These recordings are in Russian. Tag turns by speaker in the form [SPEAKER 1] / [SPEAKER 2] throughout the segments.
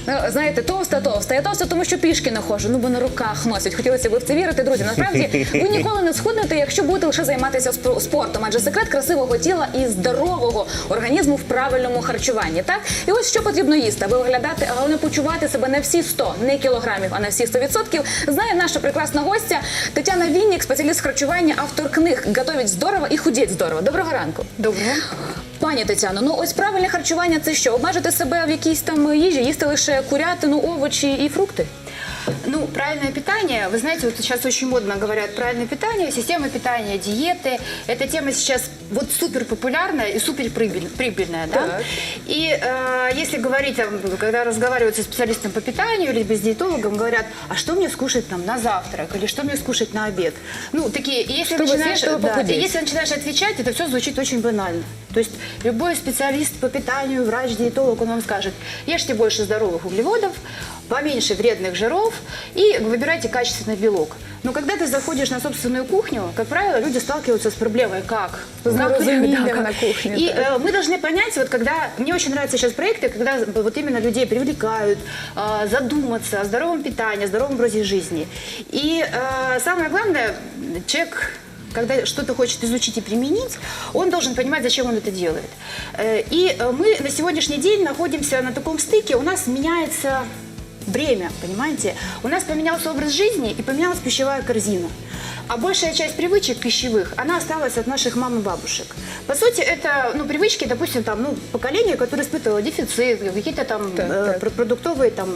[SPEAKER 1] Ну, знаєте, товста. Я товста, тому що пішки не ходжу, ну бо на руках носять. Хотілося б в це вірити, друзі. Насправді, ви ніколи не схуднете, якщо будете лише займатися спортом. Адже секрет красивого тіла і здорового організму в правильному харчуванні, так? І ось що потрібно їсти, аби виглядати, а головне почувати себе не всі 100, не кілограмів, а на всі 100%, знає наша прекрасна гостя Тетяна Вінник, спеціаліст харчування, автор книг «Готовить здорово» і «Худеть здорово». Доброго ранку.
[SPEAKER 2] Доброго.
[SPEAKER 1] Пані Тетяно, ну ось правильне харчування – це що? Обмежити себе в якійсь там їжі, їсти лише курятину, овочі і фрукти?
[SPEAKER 2] Ну, правильное питание, вы знаете, вот сейчас очень модно говорят правильное питание, система питания, диеты. Эта тема сейчас вот супер популярная и супер прибыльная, да?
[SPEAKER 1] Так.
[SPEAKER 2] И если говорить, когда разговаривают со специалистом по питанию или с диетологом, говорят, а что мне скушать там на завтрак или что мне скушать на обед? Ну, такие, если начинаешь отвечать, это все звучит очень банально. То есть любой специалист по питанию, врач, диетолог, он вам скажет, ешьте больше здоровых углеводов, поменьше вредных жиров и выбирайте качественный белок. Но когда ты заходишь на собственную кухню, как правило, люди сталкиваются с проблемой «как?».
[SPEAKER 1] На кухне.
[SPEAKER 2] И мы должны понять, вот когда... Мне очень нравятся сейчас проекты, когда вот именно людей привлекают задуматься о здоровом питании, о здоровом образе жизни. И самое главное, человек... Когда что-то хочет изучить и применить, он должен понимать, зачем он это делает. И мы на сегодняшний день находимся на таком стыке, у нас меняется время, понимаете? У нас поменялся образ жизни и поменялась пищевая корзина. А большая часть привычек пищевых, она осталась от наших мам и бабушек. По сути, это привычки, допустим, там, поколение, которое испытывало дефицит, какие-то там продуктовые, там,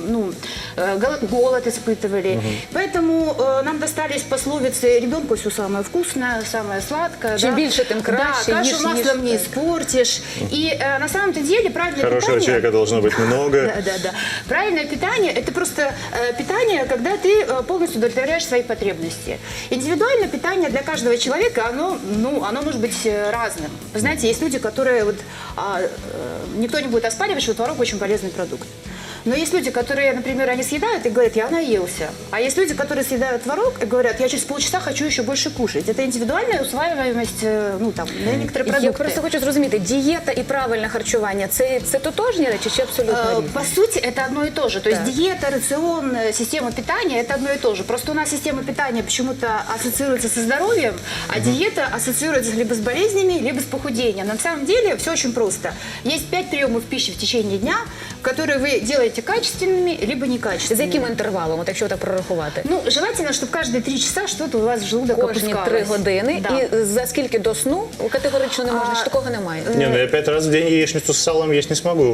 [SPEAKER 2] голод испытывали. Поэтому нам достались пословицы «ребенку все самое вкусное, самое сладкое».
[SPEAKER 1] Чем больше, тем краще.
[SPEAKER 2] Да, кашу маслом не испортишь. И на самом-то деле правильное
[SPEAKER 3] Хорошего
[SPEAKER 2] питание...
[SPEAKER 3] человека должно быть много.
[SPEAKER 2] Да. Правильное питание – это просто питание, когда ты полностью удовлетворяешь свои потребности. Индивидуальное питание для каждого человека, оно может быть разным. Вы знаете, есть люди, которые, никто не будет оспаривать, что творог очень полезный продукт. Но есть люди, которые, например, они съедают и говорят, я наелся. А есть люди, которые съедают творог и говорят, я через полчаса хочу еще больше кушать. Это индивидуальная усваиваемость, на некоторые продукты.
[SPEAKER 1] Я просто хочу зрозуміти, дієта і правильне харчування – це тотожні речі чи абсолютно різні?
[SPEAKER 2] По сути, это одно и то же. То есть диета, рацион, система питания – это одно и то же. Просто у нас система питания почему-то ассоциируется со здоровьем, а диета ассоциируется либо с болезнями, либо с похудением. На самом деле все очень просто. Есть 5 приемов пищи в течение дня, которые вы делаете качественными, либо некачественными.
[SPEAKER 1] З яким інтервалом, от якщо так прорахувати?
[SPEAKER 2] Желательно, чтобы каждые 3 часа что-то у вас в желудок
[SPEAKER 1] Кожні
[SPEAKER 2] опускалось.
[SPEAKER 1] 3 години.
[SPEAKER 2] Да.
[SPEAKER 1] І за скільки до сну категорично не можна, чи такого немає?
[SPEAKER 3] Не, я 5 раз в день яичницу с салом есть не смогу.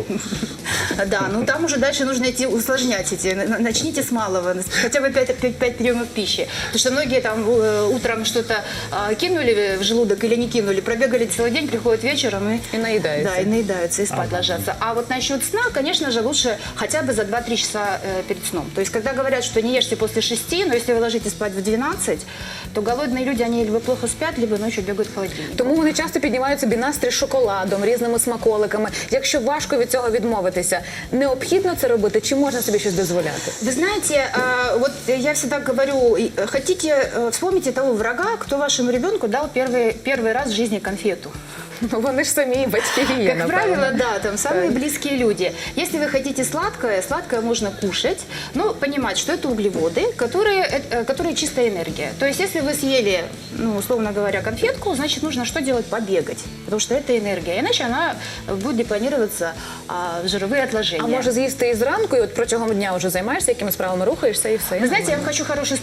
[SPEAKER 2] Да, там уже дальше нужно идти усложнять начните с малого, хотя бы 5 приемов пищи. Потому что многие там утром что-то кинули в желудок или не кинули, пробегали целый день, приходят вечером
[SPEAKER 1] и наедаются.
[SPEAKER 2] Да, и наедаются, и спать ложатся. А вот насчет сна, конечно же, лучше хотя бы за 2-3 часа перед сном. То есть, когда говорят, что не ешьте после 6, но если вы ложитесь спать в 12, то голодные люди, они либо плохо спят, либо ночью бегают в холодильник.
[SPEAKER 1] Тому вони часто піднімають собі настрій шоколадом, різними смаколиками. Якщо важко від цього відмовитися, необхідно це робити, чи можна собі щось дозволяти?
[SPEAKER 2] Вы знаете, вот я всегда говорю, хотите, вспомните того врага, кто вашему ребенку дал первый раз в жизни конфету.
[SPEAKER 1] Вони ж самі батьки є,
[SPEAKER 2] Как правило, да, там самые близкие люди. Если вы хотите сладкое, сладкое можно кушать, но понимать, что это углеводы, которые чистая энергия. То есть, если вы съели, условно говоря, конфетку, значит, нужно что делать? Побегать, потому что это энергия. Иначе она будет депонироваться в жировые отложения.
[SPEAKER 1] А може з'їсти і зранку, і от протягом дня вже займаєшся, якими справами рухаєшся, і все?
[SPEAKER 2] Вы знаете, я вам хочу хороший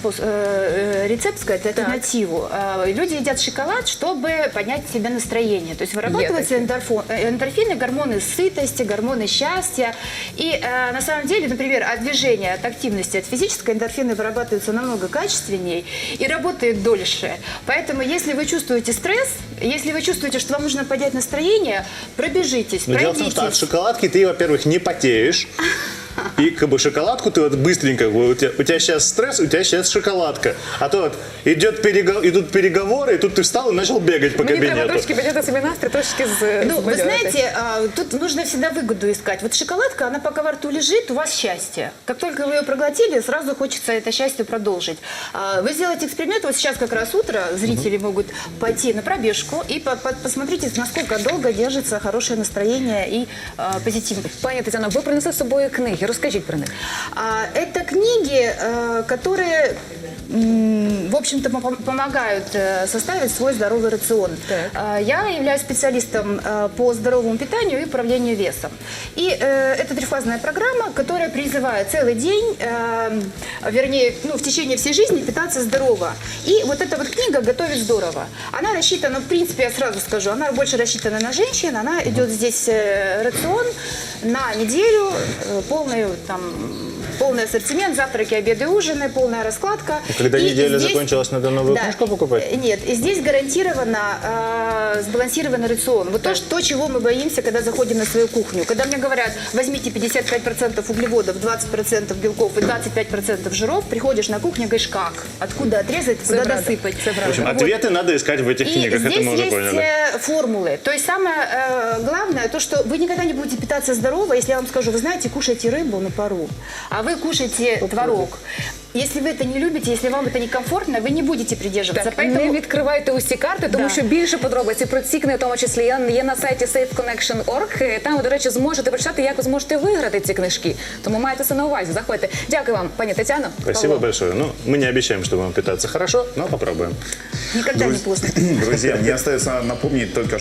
[SPEAKER 2] рецепт сказать, альтернативу. Люди едят шоколад, чтобы поднять себе настроение. То есть вырабатываются эндорфины, гормоны сытости, гормоны счастья. И на самом деле, например, от движения, от активности, от физической эндорфины вырабатываются намного качественнее и работают дольше. Поэтому, если вы чувствуете стресс, если вы чувствуете, что вам нужно поднять настроение, пробежитесь,
[SPEAKER 3] Но дело в том, что от шоколадки ты, во-первых, не потеешь. И шоколадку ты вот быстренько, у тебя сейчас стресс, у тебя сейчас шоколадка. А то вот идут переговоры, и тут ты встал и начал бегать по
[SPEAKER 1] Мені треба
[SPEAKER 3] кабинету.
[SPEAKER 1] трошки підняти собі настрій, трошки
[SPEAKER 2] Вы знаете, тут нужно всегда выгоду искать. Вот шоколадка, она пока во рту лежит, у вас счастье. Как только вы ее проглотили, сразу хочется это счастье продолжить. Вы сделаете эксперимент, вот сейчас как раз утро, зрители могут пойти на пробежку и посмотрите, насколько долго держится хорошее настроение и позитив.
[SPEAKER 1] Пані Тетяно, ви принесли з собою книги. книги? Розкажіть про них.
[SPEAKER 2] Это книги, которые, в общем-то, помогают составить свой здоровый рацион. Я являюсь специалистом по здоровому питанию и управлению весом. И это трехфазная программа, которая призывает целый день, вернее, в течение всей жизни питаться здорово. И вот эта вот книга «Готовить здорово». Она рассчитана, в принципе, я сразу скажу, она больше рассчитана на женщин. Она идет здесь рацион на неделю, полный ассортимент, завтраки, обеды, ужины, полная раскладка.
[SPEAKER 3] Когда
[SPEAKER 2] И
[SPEAKER 3] неделя
[SPEAKER 2] здесь-
[SPEAKER 3] закончилась, надо новую
[SPEAKER 2] Да.
[SPEAKER 3] книжку покупать?
[SPEAKER 2] Нет, и здесь гарантированно сбалансированный рацион. Вот то, чего мы боимся, когда заходим на свою кухню. Когда мне говорят, возьмите 55% углеводов, 20% белков и 25% жиров, приходишь на кухню и говоришь, как? Откуда отрезать, куда
[SPEAKER 1] правда,
[SPEAKER 2] досыпать?
[SPEAKER 1] це правда.
[SPEAKER 3] В общем,
[SPEAKER 2] Вот.
[SPEAKER 3] ответы надо искать в этих
[SPEAKER 2] И
[SPEAKER 3] книгах, это
[SPEAKER 2] здесь
[SPEAKER 3] мы уже
[SPEAKER 2] есть
[SPEAKER 3] поняли.
[SPEAKER 2] формулы. То есть самое главное, то, что вы никогда не будете питаться здорово, если я вам скажу, вы знаете, кушайте рыбу на пару, а вы кушаете творог. Если вы это не любите, если вам это некомфортно, вы не будете придерживаться.
[SPEAKER 1] Так, не відкривайте усі карти, тому
[SPEAKER 2] Да.
[SPEAKER 1] що більше подробиці про ці книги, в тому числі є на сайті safeconnection.org. Там ви, до речі, зможете прочитати, як ви зможете виграти ці книжки. Тому майте це на увазі. Заходьте. Дякую вам, пані Тетяно.
[SPEAKER 3] Спасибо
[SPEAKER 1] Павло.
[SPEAKER 3] большое. Ну, мы не обещаем, что будем питаться хорошо, но попробуем.
[SPEAKER 2] Никогда не поздно.
[SPEAKER 4] Друзья, мне остается напомнить только,